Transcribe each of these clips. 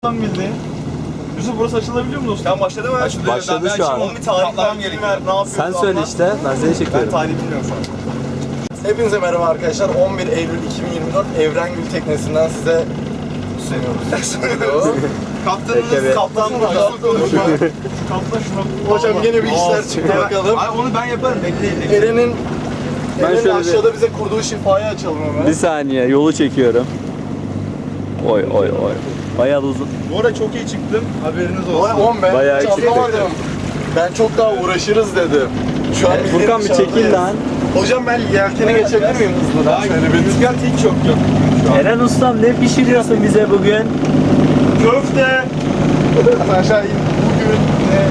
bildi. Yusuf burası açılabiliyor mu dostum? Sen başladı mı? Başladı şu an. Onun bir tarih vermem gerekiyor. Ne yapıyorsun? Sen söyle işte, ben seni Ben çekiyorum. tarih bilmiyorum şu an. Hepinize merhaba arkadaşlar. 11 Eylül 2024 Evrengül teknesinden size sunuyoruz. Kaptanınız, Kaptan burada. Kaptan şuna. Hocam gene bir işler çıktı bakalım. Ay onu ben yaparım. Bekleyin. Eren'in şöyle aşağıda bize kurduğu şifayı açalım hemen. Bir saniye, yolu çekiyorum. Oy oy oy. Bayağı uzun. Bu arada çok iyi çıktım. Haberiniz olsun. Oğlum ben Bayağı hiç eksik anlamadım. Ben çok daha uğraşırız dedim. Şu an Furkan bir çekil lan. Hocam ben yelkeni geçebilir miyim hızlıdan? Şöyle bir Rüzgar hiç yok. Eren ustam ne pişiriyorsun bize bugün? Köfte. aşağı in. Bugün ne?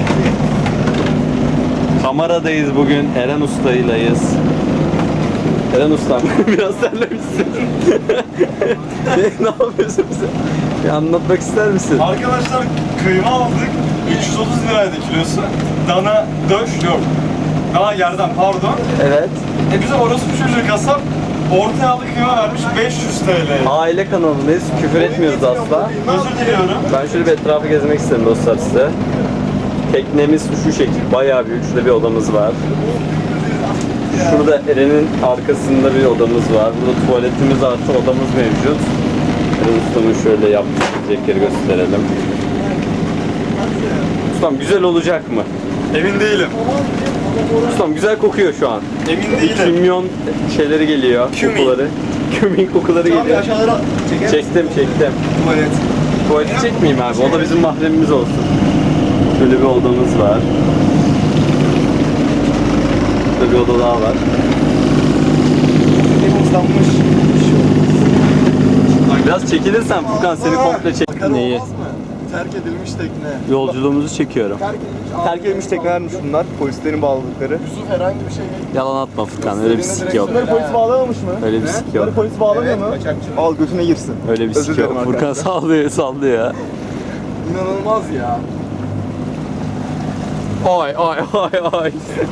Kameradayız bugün, Eren ustaylayız. Eren ustam, biraz terlemişsin. ne yapıyorsun bize? Bir anlatmak ister misin? Arkadaşlar kıyma aldık. 330 liraydı kilosu. Dana döş yok. Dana yerden pardon. Evet. Bize orospu çocuğu kasap orta yağlı kıyma vermiş 500 TL. Aile kanalındayız, küfür etmiyoruz asla. Özür diliyorum. Ben şöyle bir etrafı gezmek istedim dostlar size. Teknemiz şu şekil, bayağı büyük. Şurada bir odamız var. Şurada Eren'in arkasında bir odamız var. Burada tuvaletimiz artı odamız mevcut. Eren ustamın şöyle yaptıkları gösterelim. Ustam güzel olacak mı? Emin değilim. Ustam güzel kokuyor şu an. Emin değilim. Kimyon şeyleri geliyor, kokuları. Kümin kokuları geliyor. Aşağılara çeker. Çektim. Tuvalet. Tuvaleti çekmeyeyim abi, o da bizim mahremimiz olsun. Şöyle bir odamız var. Burada bir oda daha var. Temizlenmiş. Biraz çekilirsen Furkan seni komple çek. Neyi? Olmaz mı? Terk edilmiş tekne. Yolculuğumuzu çekiyorum. Terk edilmiş teknelermiş bunlar. Polislerin bağladıkları. Yusuf herhangi bir şey Yalan atma Furkan, öyle bir sik yok. Bunları polis bağlamamış mı? Öyle bir sik yok. Polis bağlamıyor mu? Al götüne girsin. Öyle bir Özür sik dilerim yok. Furkan arkadaşlar. sallıyor ya. İnanılmaz ya. Ay.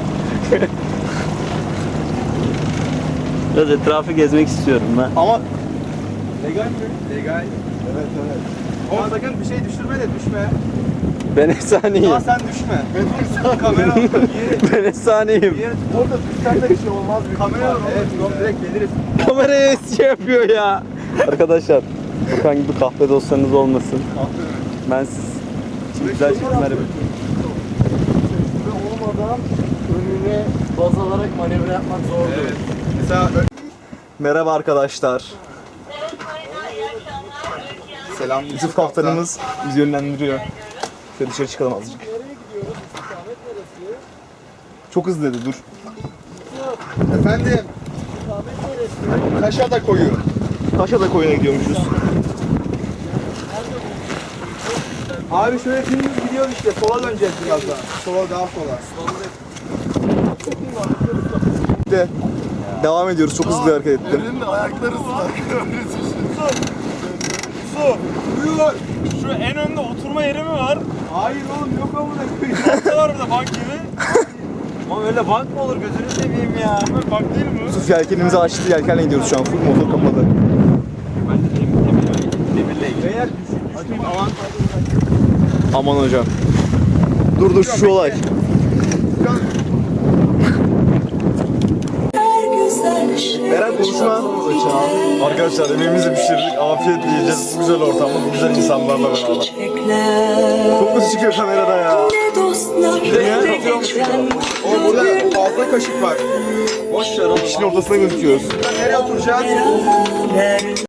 Biraz etrafı gezmek istiyorum ben. Ama Legal mi? Legal. evet. Ama sakın bir şey düşürme de düşme. Ben efsaneyim. Daha sen düşme. Kamera Ben efsaneyim. Orada düşsen de bir şey olmaz. Kamera var. Evet, direkt geliriz. Kameraya şey yapıyor ya. Arkadaşlar, Furkan gibi kahve dostlarınız olmasın. Ben siz için güzel çekimler yapıyorum. Ve olmadan önüne baz alarak manevra yapmak zor. Evet. Mesela Merhaba arkadaşlar. selam. Yusuf kaptanımız bizi yönlendiriyor. Şöyle dışarı çıkalım azıcık. Çok hızlı dedi, dur. Efendim. Kaşa da koyu. Taşada koyuna gidiyormuşuz. Abi şöyle dümdüz gidiyor işte. Sola döneceğiz biraz daha. Sola daha sola. De. Devam ediyoruz, çok hızlı hareket ettim. Uyuyor. Şu en önde oturma yeri mi var? Hayır oğlum yok amına koyayım. Altta var burada bank gibi. Ama öyle bank mı olur gözünü seveyim ya. Bank değil mi? Yusuf yelkenimizi açtı, yelkenle gidiyoruz şu an. Full motor kapalı. Eğer düşeyim alan. Aman hocam. Dur şu olay. Eren konuşma. Arkadaşlar emeğimizi pişirdik. Afiyetle yiyeceğiz. Bu güzel ortamda, bu güzel insanlarla beraber. Çok mu çıkıyor kamerada ya? Oğlum burada fazla kaşık var. Boş ver oğlum. İşin ortasına gözüküyoruz. Nereye oturacağız?